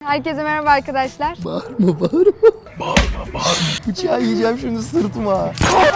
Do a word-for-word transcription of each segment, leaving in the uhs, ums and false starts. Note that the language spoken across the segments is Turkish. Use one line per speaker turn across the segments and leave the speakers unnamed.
Herkese merhaba arkadaşlar.
Bağırma bağırma. Bağırma bağırma. Bıçağı yiyeceğim şimdi sırtıma.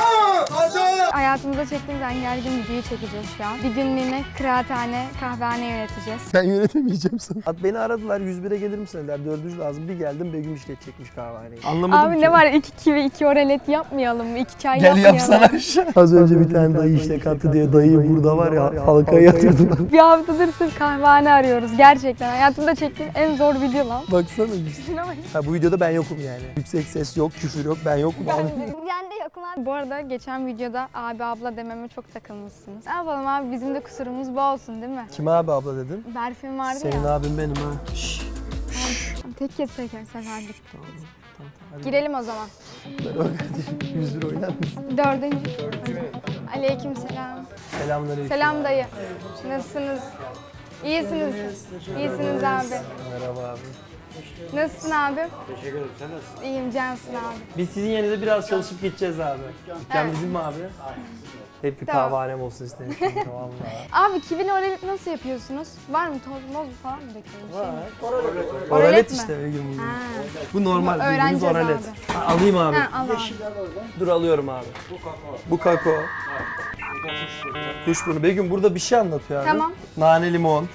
Hayatımızda çektiğimiz en gergin videoyu çekeceğiz şu an. Bir günlüğüne kıraathane, kahvehane yöneteceğiz.
Ben yönetemeyeceğim sana. At beni aradılar yüz bire gelir misin dediler. Dördüncü lazım. Bir geldim Begüm işletecekmiş kahvehaneyi. Anlamadım
Abi
ki.
ne var iki kivi, iki oralet yapmayalım mı? İki çay
Gel
yapmayalım.
yapsana aşağı. Az önce bir tane dayı işte kattı diye dayıyı burada var ya halkaya yatırdılar.
Bir haftadır sırf kahvehane arıyoruz gerçekten. Hayatımda çektiğim en zor video lan.
Baksana işte.
Şuna bak.
Ha, bu videoda ben yokum yani. Yüksek ses yok, küfür yok, ben yokum.
Ben de yokum abi. Bu arada geçen videoda abi abla dememe çok takılmışsınız. Ne yapalım abi, bizim de kusurumuz bu olsun değil mi?
Kime abi abla dedin?
Berfin vardı
Senin
ya.
abim benim ha. Şşş.
Abi, tek kez seker seferdik.
Tamam, tamam, hadi.
Girelim o zaman.
Merhaba kardeşim. yüz bir oynar mısın?
Dördüncü. Aleyküm selam.
Selamünaleyküm.
Selam dayı. Nasılsınız? İyisiniz. İyisiniz abi.
Merhaba abi.
Nasılsın abi?
Teşekkür ederim. Sen nasılsın?
İyiyim Cansın abi.
Biz sizin yerinizde biraz çalışıp gideceğiz abi. Dükkan
Evet.
bizim mi abi? Hep bir
Tamam.
kahvehanem olsun istedim şimdi vallahi.
Abi kivili oralet nasıl yapıyorsunuz? Var mı toz moz falan mı döküyorsunuz? Şey mi?
Oralet
mi?
işte bir gün bugün.
Ha.
Bu normal,
Bu
bildiğiniz
öğreneceğiz
oralet.
abi.
Ha, alayım abi.
Ha, al abi.
Dur alıyorum abi.
Bu kakao.
Bu kakao.
Bu da kuşburnu.
Kuşburnu. Begüm burada bir şey anlatıyor abi.
Tamam.
Nane limon.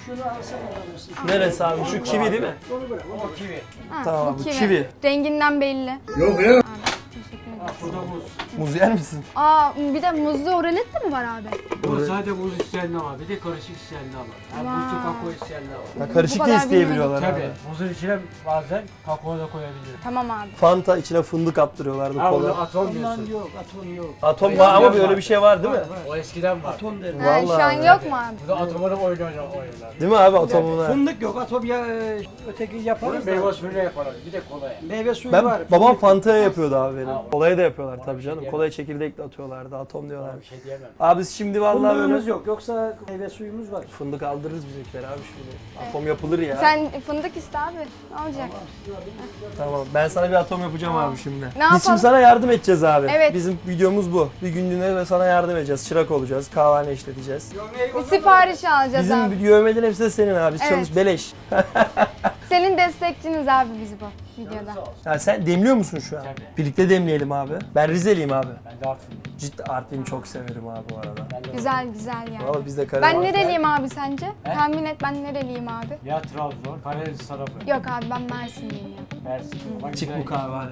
Neresi abi? Şu kivi değil mi?
O kivi.
Ha,
Tamam,
bu
bu
kivi.
kivi.
Renginden belli.
Yok ya.
Abi, teşekkür ederim.
Bu da muz.
Muz yer misin?
Aa bir de muzlu oralet de mi var abi?
Bu sadece muz isteyenler var. Bir de karışık isteyenler var. Yani
Vay.
muzlu kakao isteyenler var.
Ha, karışık
Bu
da
kadar
isteyebiliyorlar
Tabii.
abi.
Muzun içine bazen kakao da koyabilirim.
Tamam abi.
Fanta içine fındık attırıyorlardı
Ha onu
kola.
atom diyorsun.
Yok, atom yok.
Atom var ama böyle bir şey var değil mi?
O eskiden var.
Atom derim.
Ha, şu an
Vallahi.
yok mu abi?
Bu da atomları oyun oynar oynar.
Değil mi abi atomuna?
Fındık yok, atom ya e, öteki
Bunu
yaparız da.
meyve suyuyla yaparlar. Bir de kolaya.
Meyve suyu
Ben
var.
babam
fındık-
Fanta'ya yapıyordu abi benim.
Ha.
Kolaya da yapıyorlar tabii canım.
diyemem.
Kolaya çekirdek de atıyorlardı. Atom diyorlar.
Bir şey diyemem.
Abi biz şimdi vallahi
Fındığımız
böyle
yok, yoksa meyve suyumuz var.
fındık aldırırız bizimkiler abi şimdi. Atom yapılır ya.
Sen fındık iste abi. Ne olacak?
Tamam ben sana bir atom yapacağım abi şimdi. Biz
yapalım?
şimdi sana yardım edeceğiz abi.
Evet.
Bizim videomuz bu. Bir günlüğüne ve sana yardım edeceğiz. Çırak olacağız. Kahvehane işleteceğiz.
Bir sipariş alacağız
Bizim
abi.
yövmelerin hepsi de senin abi. Biz
Evet.
çalış beleş.
Senin destekçiniz abi bizi bu videoda.
Ya sen demliyor musun şu an?
Tabii.
Birlikte demleyelim abi. Ben Rizeliyim abi.
Ben de Artvin'im.
Ciddi Artvin'i çok severim abi bu arada.
Ben de
Güzel güzel yani.
Valla biz de
Ben
Karadeniz.
nereliyim abi sence?
He?
Tahmin et, ben nereliyim abi?
Ya Trabzon, Karadeniz tarafı.
Yok abi, ben Mersinliyim ya.
Mersin. Bak
Çık
güzel.
bu kahvehane.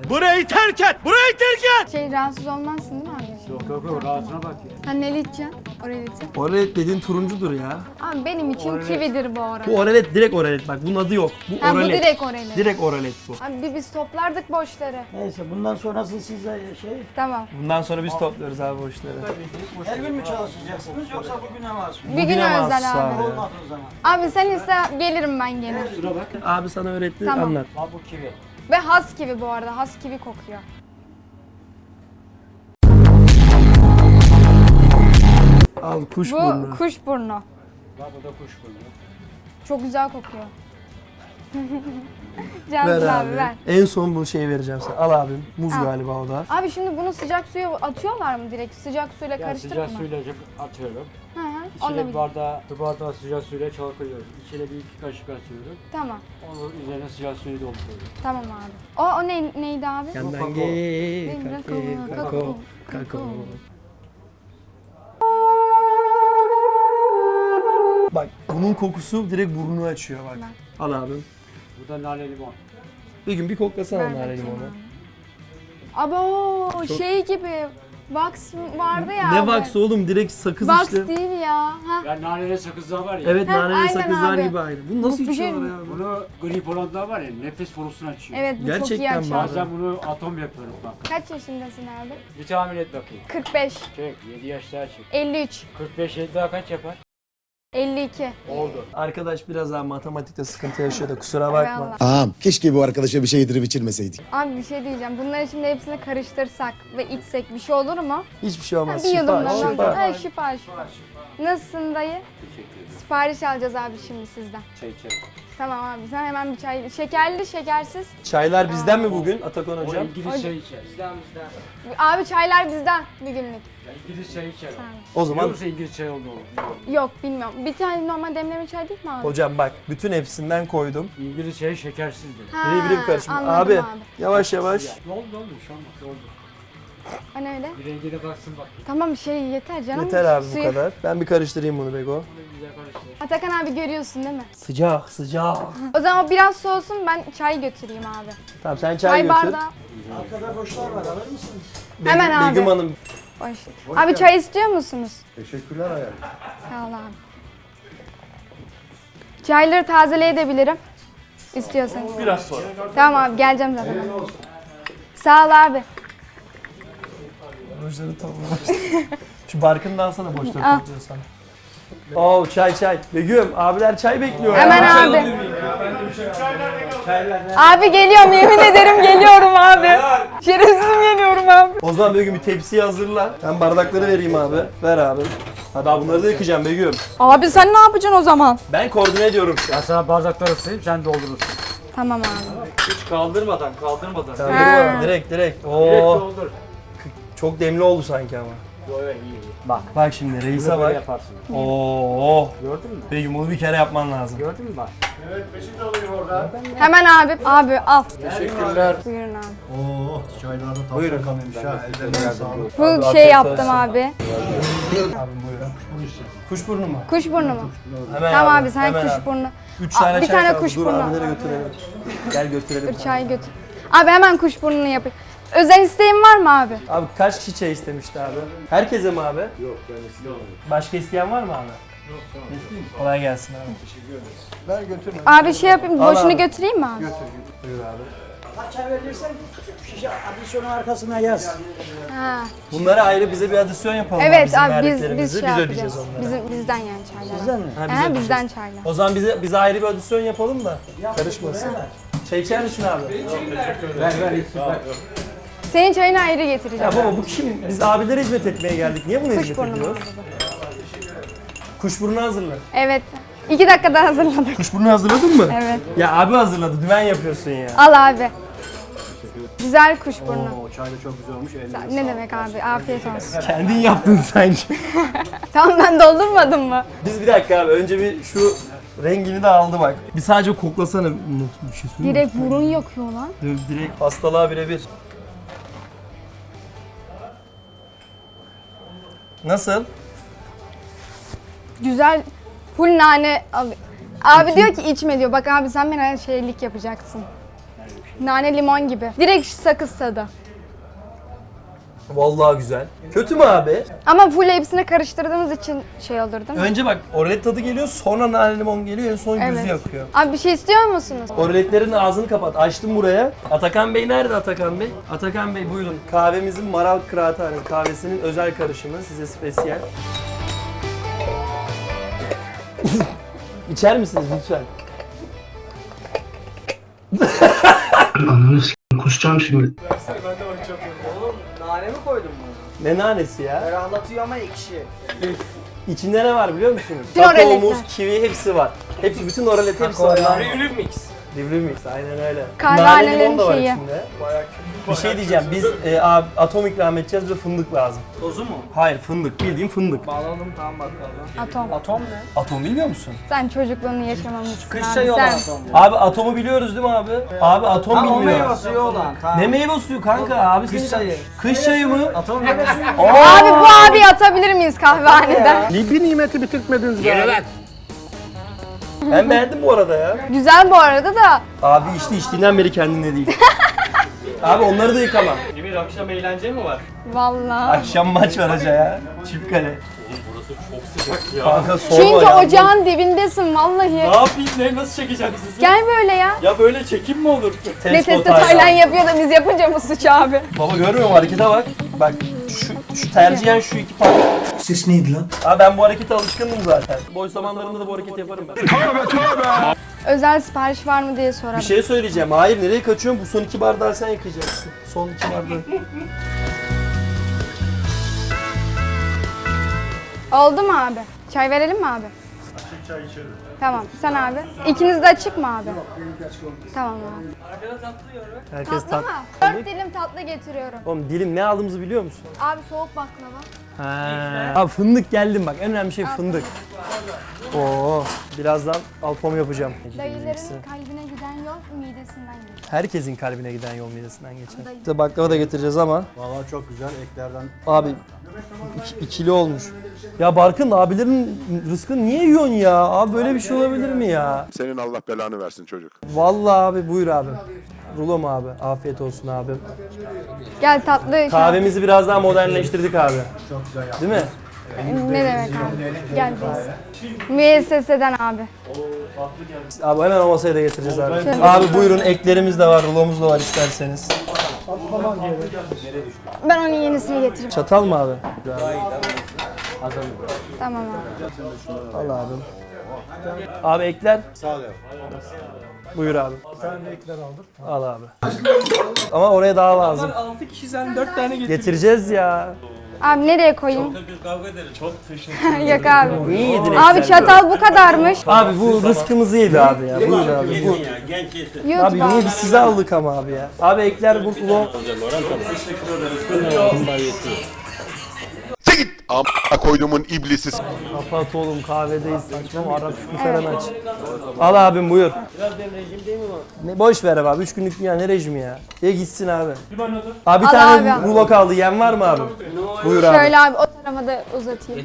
Şey, rahatsız olmazsın değil mi abi?
Yok yok yok rahatına bak ya.
Sen ne içeceksin? Oralet'i.
Oralet dediğin turuncudur ya.
Abi benim için
Oralet.
kividir bu oralet.
Bu oralet direkt oralet bak bunun adı yok. Bu
Ha, bu
oralet.
direkt oralet.
Direkt oralet bu.
Abi bir biz toplardık boşları.
Neyse bundan sonrası size şey,
Tamam.
Bundan sonra biz topluyoruz abi bu işleri.
her gün mü çalışacaksınız yoksa bugüne mahsus?
Bir gün
Bugüne mahsus
özel abi.
abi.
Olmadığı zaman.
Abi sen iste, gelirim ben gene.
Şuna bak.
Abi sana öğretti
Tamam.
anlat.
Bak bu kivi.
Ve has kivi bu arada. Has kivi kokuyor.
Al kuş
Bu
burnu.
kuşburnu.
Bak bu da kuşburnu.
Çok güzel kokuyor.
Ver
Cansın abi,
abi.
ver.
En son bu şeyi vereceğim sana. Al abim. Muz
Al.
galiba o da.
Abi şimdi bunu sıcak suya atıyorlar mı direkt? Sıcak suyla
Ya
karıştırıp
sıcak
mı?
suyla atıyorum.
Hı hı. Onunla
İçine
bir...
bir bardağı, bir bardağı sıcak suyla çalkalıyorum. İçine bir iki kaşık atıyorum.
Tamam.
Onun üzerine sıcak suyu dolduruyorum.
Tamam abi. O, o ne, neydi abi?
Yandan
kakao.
gel.
Kakao,
Kakao.
kakao,
Kakao.
kakao.
Bak bunun kokusu direkt burnunu açıyor bak.
Ben.
Al abim.
Bu da nane limon.
Bir gün bir koklasana
Ver
nane
bakayım
limonu.
abi. Abo
Çok-
şey gibi. Wax vardı ya
Ne
abi.
wax oğlum direkt sakız
Wax
işte.
değil ya. Ha.
Ya naneli sakızlar var ya.
Evet
Ha,
naneli
aynen
sakızlar
abi.
gibi aynı. Bunu nasıl
Bu bir şey
içiyorlar
mi?
ya?
Bunu grip olanlar var ya nefes borusunu açıyor.
Evet bu çok iyi
Gerçekten mi
açar.
abi?
Bazen bunu atom yapıyorum bak.
Kaç yaşındasın abi?
Bir tahmin et bakayım.
kırk beş.
Çek yedi yaş daha çek.
elli üç.
kırk beş yedi daha kaç yapar?
elli iki.
Oldu.
Arkadaş biraz daha matematikte sıkıntı yaşıyor da kusura bakma.
Eyvallah.
Ağam keşke bu arkadaşa bir şey yedirip içirmeseydik.
Abi bir şey diyeceğim. Bunları şimdi hepsini karıştırsak ve içsek bir şey olur mu?
Hiçbir şey
Ha,
olmaz.
bir
Şifa,
yudumdan
şifa.
alacağız. Ha, şifa şifa. Nasılsın dayı?
Teşekkür ederim.
Sipariş alacağız abi şimdi sizden.
Çek çek.
Tamam abi sen hemen bir çay. Şekerli şekersiz.
Çaylar bizden mi bugün Atakan
O
hocam?
İngiliz çayı içer.
Bizden bizden.
Abi çaylar bizden bir günlük.
Ya İngiliz çayı içer.
O
Biliyor
zaman
musun İngiliz çayı olduğunu?
Yok bilmiyorum. Bir tane normal demleme çay değil mi abi?
hocam bak bütün hepsinden koydum.
İngiliz çayı şekersizdir.
Ha,
Biri biri karışım.
anladım
Abi,
abi.
yavaş yavaş.
Ne oldu ne oldu şu an bak ne oldu.
Hani öyle?
Bir rengine baksın bak.
Tamam şey yeter canım.
Yeter abi bu
Suyu-
kadar. Ben bir karıştırayım bunu Bego.
Bunu güzel karıştır.
Atakan abi görüyorsun değil mi?
Sıcak sıcak.
O zaman o biraz soğusun ben çay götüreyim abi.
Tamam sen çay,
Çay
götür.
bardağı.
Arkada boşlar var alır mısınız?
Be-
Hemen abi.
Begüm Hanım.
Boş. Abi çay istiyor musunuz?
Teşekkürler hayatım.
Sağ ol abi. Çayları tazeleyebilirim. İstiyorsanız.
Biraz sonra.
Tamam abi geleceğim zaten. Sağ ol abi.
Boşları toplamış. Şu barkını da alsana boşları
Al.
topluyorsan. Oo çay çay. Begüm abiler çay bekliyor. ya.
Hemen abi. Abi geliyorum yemin ederim geliyorum abi. Şerefsizim geliyorum abi.
O zaman Begüm bir tepsiyi hazırla. Ben bardakları vereyim abi. Ver abi. Hadi abi bunları da yıkayacağım Begüm.
Abi sen ne yapacaksın o zaman?
Ben koordine ediyorum şu an.
Ben sana bardakları ısıtayım sen doldurursun.
Tamam abi.
Hiç kaldırmadan kaldırmadan.
Tamam,
Ha.
direkt, direkt direkt.
Direkt
Oo.
doldur.
Çok demli oldu sanki ama.
Yo yo iyi iyi. Bak.
Bak şimdi reise
Böyle
bak.
yaparsın.
Oo.
Gördün mü?
Begüm bunu bir kere yapman lazım.
Gördün mü bak?
Hemen abi. Abi al.
Teşekkürler.
Buyurun abi.
Oo, çaylarda tatlı
Buyurun.
kalmış ha. Ellerine sağlık.
Bu
Abi,
şey
afiyet
yaptım
olsun.
abi.
Abim buyurun. Kuşburnu mu?
Kuşburnu mu?
Hemen
Tamam abi sen
hemen abi.
kuşburnu.
Üç
Aa,
tane
bir
çay
tane
kaldı. Dur
kuşburnu.
abilere götürelim. Gel götürelim.
Dur çay götür. Abi hemen kuşburnunu yapayım. Özel isteğin var mı abi?
Abi kaç kişi çay istemişti abi? Herkese mi abi? Yok ben istiyorum. Başka isteyen var mı abi? Yok tamam. Kolay gelsin abi.
Ver götürme.
Abi şey yapayım,
Al
boşunu
abi.
götüreyim mi abi?
Buyur abi.
Kaç çay verirsen şişe adisyonu arkasına yaz.
Ha.
Bunlara ayrı bize bir adisyon yapalım abi,
Evet
bizim
abi biz
verdiklerimizi.
biz şey
biz
yapacağız.
ödeyeceğiz onları.
Bizim bizden yani çaylar.
Sizden mi?
Ha, biz
Ha,
ödeyeceğiz.
bizden çaylar.
O zaman bize bize ayrı bir adisyon yapalım da karışmasın. Çay içer misin abi?
Ver ver iyisin ver.
Senin çayını ayrı getireceğim.
Ya baba bu kim? Biz abilere hizmet etmeye geldik. Niye buna hizmet
Kuşburnu mu
ediyoruz?
abi?
Kuşburnu hazırla.
Evet. İki dakikada hazırladık.
Kuşburnu hazırladın mı?
Evet.
Ya abi hazırladı. Dümen yapıyorsun ya.
Al abi. Güzel kuşburnu.
Oo, çay da çok güzel olmuş. Ellerine
Ne demek abi? Afiyet olsun.
Kendin yaptın sanki.
Tamam ben doldurmadım mı?
Biz bir dakika abi önce bir şu rengini de aldı bak. Bir sadece koklasana. Bir şey söyleyeyim mi?
Direkt burun yakıyor lan.
Direkt hastalığa birebir. Nasıl?
Güzel. Full nane al. Abi diyor ki içme diyor. Bak abi sen bana şeylik yapacaksın. Nane limon gibi. Direkt sakız tadı.
Vallahi güzel. Kötü mü abi?
Ama full hepsini karıştırdığımız için şey olur değil mi?
Önce bak orlet tadı geliyor, sonra nane limon geliyor, en son
Evet.
gözü yakıyor.
Abi bir şey istiyor musunuz?
Orletlerin ağzını kapat. Açtım buraya. Atakan Bey nerede Atakan Bey? Atakan Bey buyurun. Kahvemizin Maral Kıraathanesi kahvesinin özel karışımı size spesiyel. İçer misiniz lütfen?
Ananı s***, kusacağım şimdi.
Nane mi koydun bunu?
Ne nanesi ya?
Ferahlatıyor ama ekşi.
İçinde ne var biliyor musunuz?
Bütün
Kakao,
oraletler.
muz, kivi hepsi var. Hepsi, bütün oralet hepsi var.
Rivri mix.
Livri mix, aynen öyle.
Kahvehanelerin
Nane limon da var
şeyi.
içinde. Bir şey diyeceğim, biz e, a- atom ikram edeceğiz, bize fındık lazım.
Tozu mu?
Hayır, fındık, bildiğin fındık.
Bağladım tamam bakalım.
Atom.
Atom ne?
Atom bilmiyor musun?
Sen çocukluğunu yaşamamışsın
Kış
abi.
çayı olan
Sen.
atom.
Abi atomu biliyoruz değil mi abi? Abi atom
Ha o
bilmiyor.
meyve suyu olan. Tamam.
Ne meyve suyu kanka abi?
Kış
senin-
çayı.
Kış çayı mı?
Atom meyve suyu.
Abi bu abi atabilir miyiz kahvehaneden?
Bir nimeti bitirtmediniz be.
Ben beğendim bu arada ya.
Güzel bu arada da.
Abi içti içtiğinden beri kendinde değil. Abi onları da yıkama.
Emir akşam eğlence mi var?
Vallahi.
Akşam maç var hoca ya. Çift kale.
Burası çok sıcak ya.
Kanka sorma
Çünkü
ya.
ocağın dibindesin vallahi.
Ne yapayım ne nasıl çekeceğim sizi?
Gel böyle ya.
Ya böyle çekim mi olur?
Ne
Test
testi
Taylan.
Taylan yapıyor da biz yapınca mı suç abi?
Baba görmüyor musun harekete bak. Bak şu, şu tercihen şu iki parça.
Ses neydi lan?
Abi ben bu harekete alışkındım zaten. Boş zamanlarımda da bu hareketi yaparım ben.
Özel sipariş var mı diye sorarım.
Bir şey söyleyeceğim. Hayır nereye kaçıyorsun? Bu son iki bardağı sen yıkayacaksın. Son iki bardağı.
Oldu mu abi? Çay verelim mi abi?
Çay içelim.
Tamam. Sen abi. İkiniz de açık mı abi? Tamam abi.
Herkes
Tatlı
tat.
mı? Dört dilim tatlı getiriyorum.
Oğlum dilim ne aldığımızı biliyor musun?
Abi soğuk baklava.
Ha. Abi fındık geldim bak. En önemli şey fındık. Oo, birazdan alpom yapacağım.
Dayıların kalbine giden yol midesinden geçiyor.
Herkesin kalbine giden yol midesinden geçer.
Dayı.
İşte baklava da getireceğiz ama
Vallahi çok güzel eklerden.
abi iki, ikili olmuş. Ya Barkın abilerin rızkını niye yiyorsun ya? Abi böyle bir şey olabilir mi ya?
Senin Allah belanı versin çocuk.
Vallahi abi buyur abi. Rulo mu abi? Afiyet olsun abi.
Gel tatlı. şey-
Kahvemizi biraz daha modernleştirdik abi.
Çok güzel yaptın.
Değil mi?
Ne demek abi? Gel biz. Müesseseden abi.
Abi hemen o masaya da getireceğiz abi. Abi buyurun eklerimiz de var, rulomuz da var isterseniz.
Ben onun yenisini getireyim.
Çatal mı abi?
Tamam abi.
Al abi. Abi ekler.
Sağ ol.
Buyur abi. Bir tane ekler aldım. Al abi. Ama oraya daha lazım.
altı kişi sen dört tane getir.
Getireceğiz ya.
Abi nereye koyayım?
Biz kavga ederiz. Çok teşekkür
Yok abi.
Niye yedin
Abi
ekler?
çatal bu kadarmış.
Abi bu rızkımızı yedi abi ya. Buyur abi. Bu.
ya. Genç yesin.
YouTube
Abi niye
abi.
biz size aldık ama abi ya. Abi ekler bu rulo.
Sen git. Amına koyduğumun iblisi.
Kapat oğlum kahvedeyiz. Saçma Arap şükrü falan aç. Al abim buyur. Ne boş ver abi. Üç günlük dünya ne rejimi ya. Ye gitsin abi. Abi bir
Al
tane
abi.
rulo kaldı. Yem var mı abi? Buyur abi.
Şöyle abi o tarafa da uzatayım.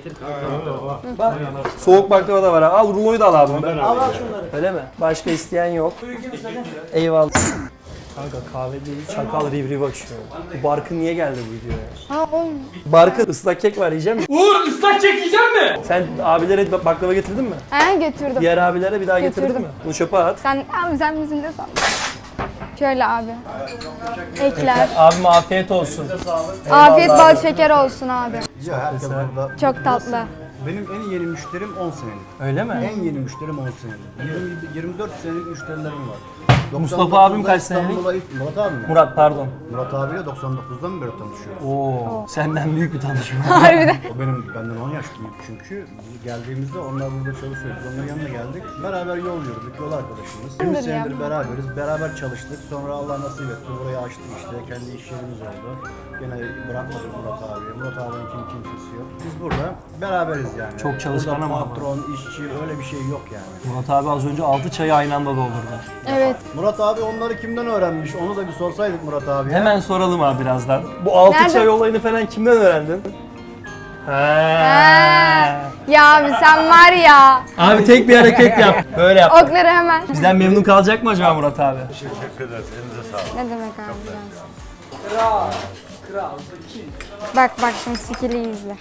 Soğuk baklava da var abi. Al ruloyu da al abi. Al al şunları. Öyle mi? Başka isteyen yok. Eyvallah. Kanka kahvedeyiz. Çakal rivri bakıyor. Bu Barkın niye geldi bu videoya?
Ha oğlum.
Barkın ıslak kek var yiyecek misin?
Uğur ıslak çek yiyecek mi?
Sen abilere baklava getirdin mi?
He götürdüm.
Diğer abilere bir daha getirdin
Getirdim.
mi? Bunu çöpe at.
Sen abi sen misin de sandın. Şöyle abi. Ekler.
Abime afiyet olsun.
Afiyet bal şeker olsun abi.
Ya herkes burada.
Çok tatlı.
Benim en yeni müşterim on senelik.
Öyle mi?
En yeni müşterim on senelik. yirmi, yirmi dört senelik müşterilerim var.
Mustafa abim kaç senelik?
İstanbul'a ilk Murat abi mi?
Murat pardon.
Murat abiyle doksan dokuzdan beri tanışıyoruz.
Oo, senden büyük bir tanışma.
Harbiden.
O benim benden on yaş büyük çünkü. Biz geldiğimizde onlar burada çalışıyordu. Onların yanına geldik. Beraber yol yürüdük. Yol arkadaşımız. yirmi
Kimdir ya?
senedir beraberiz. Beraber çalıştık. Sonra Allah nasip etti. Burayı açtık işte. Kendi iş yerimiz oldu. Gene bırakmadık Murat abiye. Murat abinin kim kimsesi yok. Biz burada beraberiz yani.
Çok çalışkan
Burada
ama.
patron, işçi öyle bir şey yok yani.
Murat abi az önce altı çayı aynı anda doldurdu.
Evet.
Murat abi onları kimden öğrenmiş? Onu da bir sorsaydık Murat abiye.
Hemen soralım abi birazdan. Bu altı
Nerede?
çay olayını falan kimden öğrendin?
Ha.
Ha.
Ya abi sen var ya.
Abi tek bir hareket yap. Böyle yap.
Okları hemen.
Bizden memnun kalacak mı acaba Murat abi?
Ne demek abi? Kral. Kral. Bak bak şimdi skill'i izle.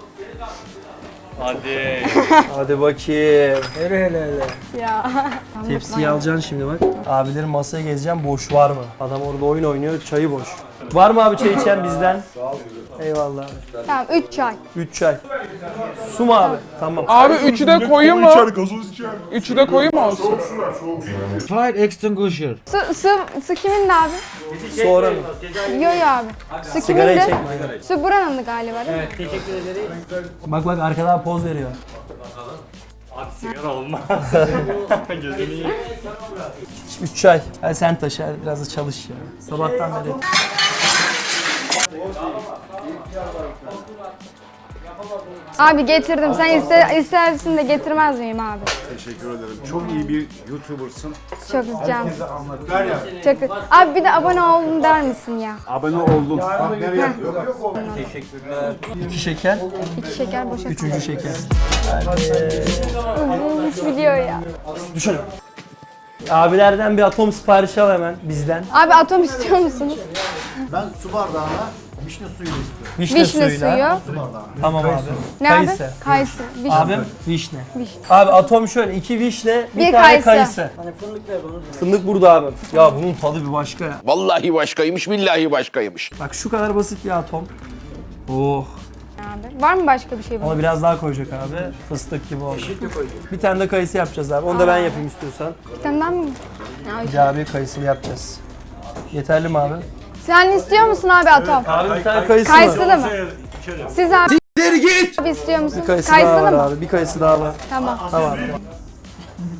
Hadi.
Hadi bakayım. Hele hele hele.
Ya.
Tepsiyi alacaksın şimdi bak. Abilerin masaya gezeceğim boş var mı? Adam orada oyun oynuyor çayı boş. Var mı abi çay içen bizden? Eyvallah abi.
Tamam üç çay.
üç çay. Su mu abi? Tamam.
Abi üçü de koyayım mı? Üçü de koyayım mı olsun?
Fire extinguisher.
Su, su, su kimin de abi?
Sonra mı?
Yo yo abi. Su kimin
Sigarayı
de?
çekme.
Su buranın da galiba değil mi?
Bak bak arkadan poz veriyor.
Sigara olmaz. Gözünü yiyeyim.
üç çay. Hadi sen taşı hadi biraz da çalış ya. Sabahtan beri.
Abi
getirdim. Sen iste, istersin de getirmez miyim abi?
Teşekkür ederim. Çok iyi bir YouTuber'sın.
Çok can. Çok. Abi bir de abone olun der misin ya?
Abone oldum.
İki şeker,
İki şeker boşa.
üçüncü şeker.
Üç video ya.
Düşün. Abilerden bir atom siparişi al hemen bizden.
Abi atom istiyor musunuz?
Ben su bardağına vişne suyu istiyorum.
Vişne,
Vişne
suyuyla.
suyu.
Su bardağına.
Tamam abi.
Ne
Kayısı.
abi? Kayısı. Vişne.
Abim vişne.
Vişne.
Abi atom şöyle iki vişne, bir,
Bir
tane
kayısı.
kayısı.
Hani fındık ver bana.
Fındık burada abi. Ya bunun tadı bir başka ya.
Vallahi başkaymış, billahi başkaymış.
Bak şu kadar basit bir atom. Oh.
Abi. Var mı başka bir şey bunun?
Ona biraz daha koyacak abi. Fıstık gibi oldu. Bir tane de kayısı yapacağız abi. Onu da ben yapayım istiyorsan.
Bir tane daha mı? Ya,
Bir abi kayısılı yapacağız. Yeterli mi abi?
sen istiyor musun abi atom?
Abi bir tane kayısı
Kayısılı
var.
mı? Siz abi.
Git!
Abi istiyor musun?
Bir kayısı
Kayısılı
daha var
mı?
abi. Bir kayısı daha var.
Tamam.
Tamam.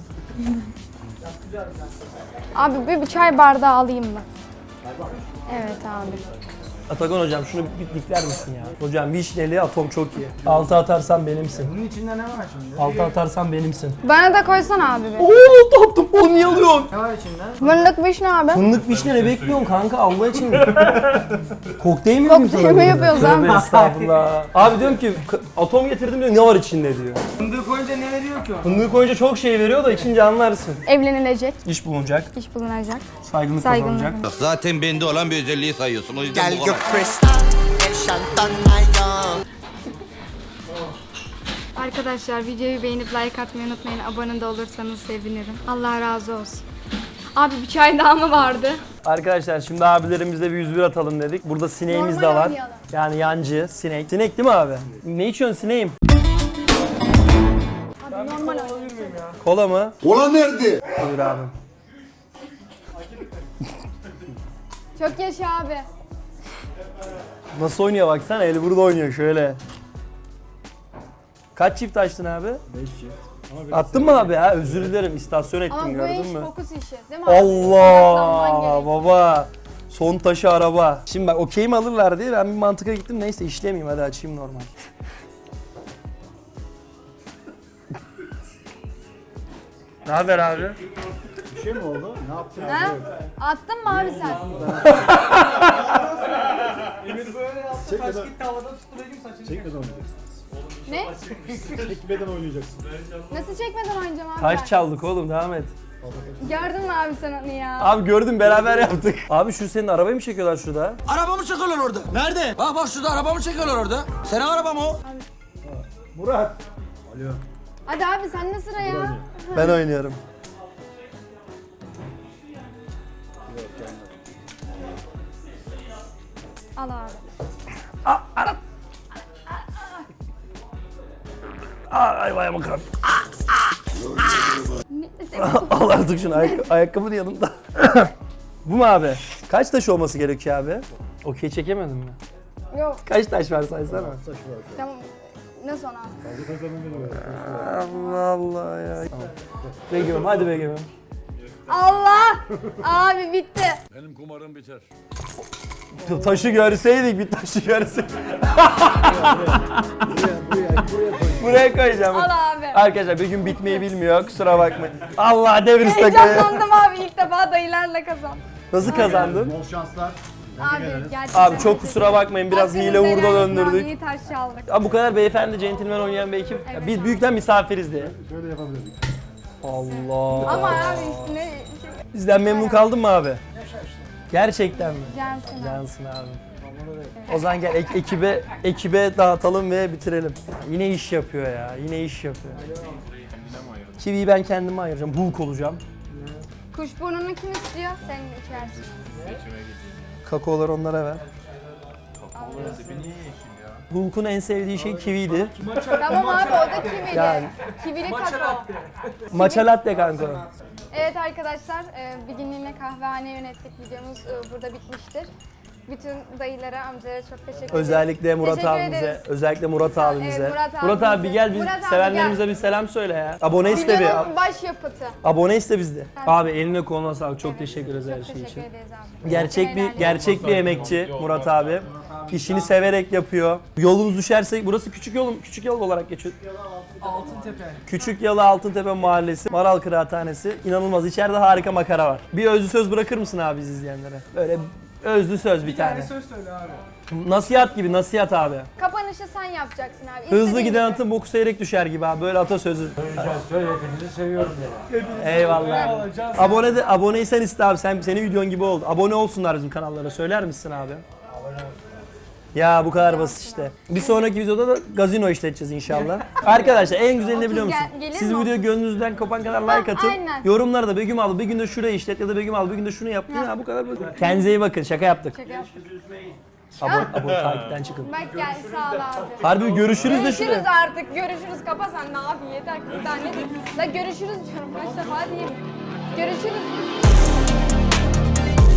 Abi bir, bir çay bardağı alayım mı? Evet abi.
Atakan hocam şunu bir dikler misin ya? Hocam vişneli atom çok iyi. Altı atarsan benimsin.
Bunun içinde ne var şimdi?
Altı atarsan benimsin.
Bana da koysana abi bir.
Oo tatlım onu niye alıyorsun?
Ne var içinde?
Fındık vişne abi.
Fındık vişne ne bekliyorsun kanka Allah için? Kokteyl mi yapayım sana?
Kokteyl mi yapıyoruz abi?
Tövbe estağfurullah. Abi diyorum ki k- atom getirdim diyor ne var içinde diyor.
Fındık koyunca ne veriyor ki o?
Fındığı koyunca çok şey veriyor da içince anlarsın.
Evlenilecek,
İş bulunacak,
iş bulunacak.
saygınlık
Saygınlık.
kazanacak.
Zaten bende olan bir özelliği sayıyorsun. O yüzden bu kadar.
Arkadaşlar videoyu beğenip like atmayı unutmayın. Abone de olursanız sevinirim. Allah razı olsun. Abi bir çay daha mı vardı?
Arkadaşlar şimdi abilerimizle bir yüz bir atalım dedik. Burada sineğimiz de
Normal
var.
oynayalım.
Yani yancı, sinek. Sinek değil mi abi? Ne içiyorsun sineğim?
Abi normal oynayalım.
Kola mı?
Kola nerede?
Buyur abi.
Çok yaşa abi.
Nasıl oynuyor baksana eli burada oynuyor şöyle. Kaç çift açtın abi?
beş çift.
Attın mı abi ha? Özür dilerim istasyon ettim
Ama bu
gördün
iş
mü?
fokus işi değil mi abi?
Allah
Odaklanman gerek.
baba. Son taşı araba. Şimdi bak okey mi alırlar diye ben bir mantıka gittim. Neyse işlemeyeyim hadi açayım normal. Ne haber abi?
Bir şey mi oldu? Ne yaptın?
Ha? Attın mı abi sen?
Çekmeden oynayacaksın.
Ne?
Çekmeden oynayacaksın.
Nasıl çekmeden oynayacağım abi
Taş
ben?
çaldık oğlum devam et.
Gördün mü abi sen onu ya?
Abi gördüm beraber yaptık. Abi şu senin arabayı mı çekiyorlar şurada?
Arabamı çekiyorlar orada. Nerede? Bak bak şurada arabamı çekiyorlar orada. Senin arabam o.
Murat. Alo.
Hadi abi sen de sıra ya.
Ben oynuyorum.
Al abi.
Ay vay bakalım. Al artık şunu ayak ayakkabı da yanımda. Bu mu abi? Kaç taş olması gerekiyor abi? Okey çekemedin mi?
Yok
Kaç taş var saysana.
tamam. Ne sonra?
Allah Allah ya. Tamam. Begüm'üm hadi Begüm'üm.
Allah! Abi bitti.
Benim kumarım biter.
Taşı görseydik bir taşı görseydik. Buraya koyacağım.
Al abi.
Arkadaşlar bir gün bitmeyi bilmiyor kusura bakmayın. Allah devir takayı.
Heyecanlandım abi ilk defa dayılarla kazan.
Nasıl kazandın?
Bol şanslar.
Abi gerçekten.
Abi çok kusura bakmayın biraz hile
Hakkınızı
hurda
helal edin abi,
döndürdük.
İyi taş çaldık.
Abi bu kadar beyefendi, centilmen oynayan bir ekip. Ya biz büyükten misafiriz diye.
Şöyle yapabilirdik.
Allah.
Ama abi üstüne şey,
Bizden memnun kaldın mı abi? Gerçekten mi?
Cansın abi.
Cansın abi. O zaman gel ek- ekibe ekibe dağıtalım ve bitirelim. Yine iş yapıyor ya. Yine iş yapıyor. Kiwiyi ben kendime ayıracağım. Hulk olacağım.
Kuşburnunu kim istiyor? Sen içersin.
Kakaoları onlara ver. Hulk'un en sevdiği şey kiviydi.
Tamam abi o da kivili.
Yani.
Kivili kakao.
Matcha latte kanka.
Evet arkadaşlar e, bir günlüğüne kahvehane yönettik videomuz e, burada bitmiştir. Bütün dayılara, amcalara çok teşekkür ederim.
Özellikle Murat
Teşekkür
abimize,
ederiz.
özellikle Murat abimize.
Evet, Murat
Murat abi
abimize.
bir gel biz
Murat abi
sevenlerimize
gel.
bir selam söyle ya. Abone iste bir.
Videonun başyapıtı.
Abone iste bizde. Abi eline koluna sağlık. Çok teşekkür ederiz her
Çok
şey
teşekkür
için.
ederiz abi.
Gerçek bir
Helal
gerçek bir emekçi Murat abi. İşini severek yapıyor. Yolumuz düşerse burası küçük yol küçük yol olarak geçiyor.
Altıntepe.
Küçük Yalı Altıntepe Mahallesi, Maral Kıraathanesi. İnanılmaz içeride harika makara var. Bir özlü söz bırakır mısın abi biz izleyenlere? Böyle özlü söz bir tane.
söz söyle abi.
Nasihat gibi nasihat abi.
Kapanışı sen yapacaksın abi.
Hızlı
İstediğin
giden
gibi.
atın boku seyrek düşer gibi abi böyle atasözü.
Söyle hepinizi seviyorum dedi.
Eyvallah. Abone de aboneysen iste abi sen senin videon gibi oldu. Abone olsunlar bizim kanallara söyler misin abi? Ya bu kadar basit işte. Bir sonraki videoda da gazino işleteceğiz inşallah. Arkadaşlar en güzeli ne biliyor
otuz
musun?
gel- gelir
Siz
mi
bu videoya
otuz?
gönlünüzden kopan kadar like atın.
aynen.
Yorumlara da Begüm abla bir günde şurayı işlet ya da Begüm abla bir günde şunu yap. Ya bu kadar basit. Kendinize iyi bakın şaka yaptık.
Şaka yaptık.
Abone, abone takipten çıkın.
Bak gel sağ ol abi.
Harbi görüşürüz de
Görüşürüz
şuraya.
artık. Görüşürüz. Kapa sen ne abi yeter. Bir tane de. La görüşürüz diyorum. Kaç defa diyeyim. Görüşürüz.